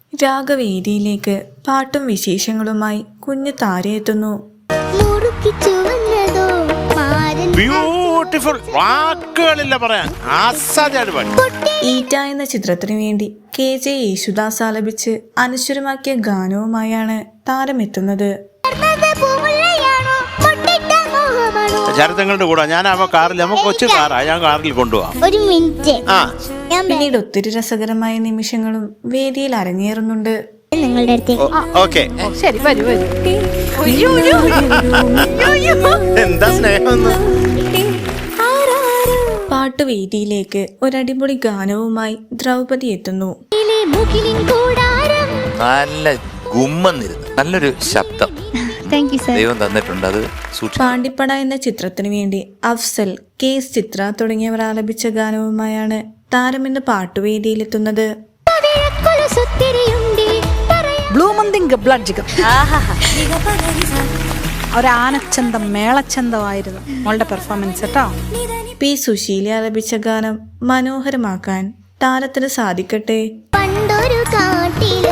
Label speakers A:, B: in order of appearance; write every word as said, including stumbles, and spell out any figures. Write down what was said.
A: രാഗവേദിയിലേക്ക് പാട്ടും വിശേഷങ്ങളുമായി കുഞ്ഞു താര എത്തുന്നു.
B: ബ്യൂട്ടിഫുൾ, വാക്കുകളില്ല പറയാൻ.
A: ഈറ്റ എന്ന ചിത്രത്തിനു വേണ്ടി കെ ജെ യേശുദാസ് ആലപിച്ച് അനശ്വരമാക്കിയ ഗാനവുമായാണ് താരമെത്തുന്നത്.
B: ചരിത്രങ്ങളുടെ കൂടെ ഞാൻ അവ കാറിൽ നമുക്ക് കൊച്ചു കാറാ ഞാൻ കാറിൽ കൊണ്ടുപോവാം.
C: ഒരു മിനിറ്റ്.
A: പിന്നീട് ഒത്തിരി രസകരമായ നിമിഷങ്ങളും വേദിയിൽ അരങ്ങേറുന്നുണ്ട്.
C: നിങ്ങളുടെ അടുത്ത്
B: ഓക്കെ
D: ശരി വരൂ വരൂ.
B: എന്താ സ്നേഹം.
A: പാട്ടുവേദിയിലേക്ക് ഒരടിപൊളി ഗാനവുമായി ദ്രൗപദി എത്തുന്നു.
E: നല്ല ഗുമ്മെന്നിരുന്നു, നല്ലൊരു ശബ്ദം ദൈവം തന്നിട്ടുണ്ട്. അത്
A: പാണ്ടിപ്പട എന്ന ചിത്രത്തിനു വേണ്ടി അഫ്സൽ, കെ എസ് ചിത്ര തുടങ്ങിയവർ ആലപിച്ച ഗാനവുമായാണ് താരമിന്ന് പാട്ടുവേദിയിലെത്തുന്നത്.
D: ഒരാനച്ചന്തം മേളച്ചന്തമായിരുന്നു മോളുടെ പെർഫോമൻസ് കേട്ടോ.
A: പി സുശീല ആലപിച്ച ഗാനം മനോഹരമാക്കാൻ താരത്തിന് സാധിക്കട്ടെ.
C: പണ്ടൊരു കാട്ടിൽ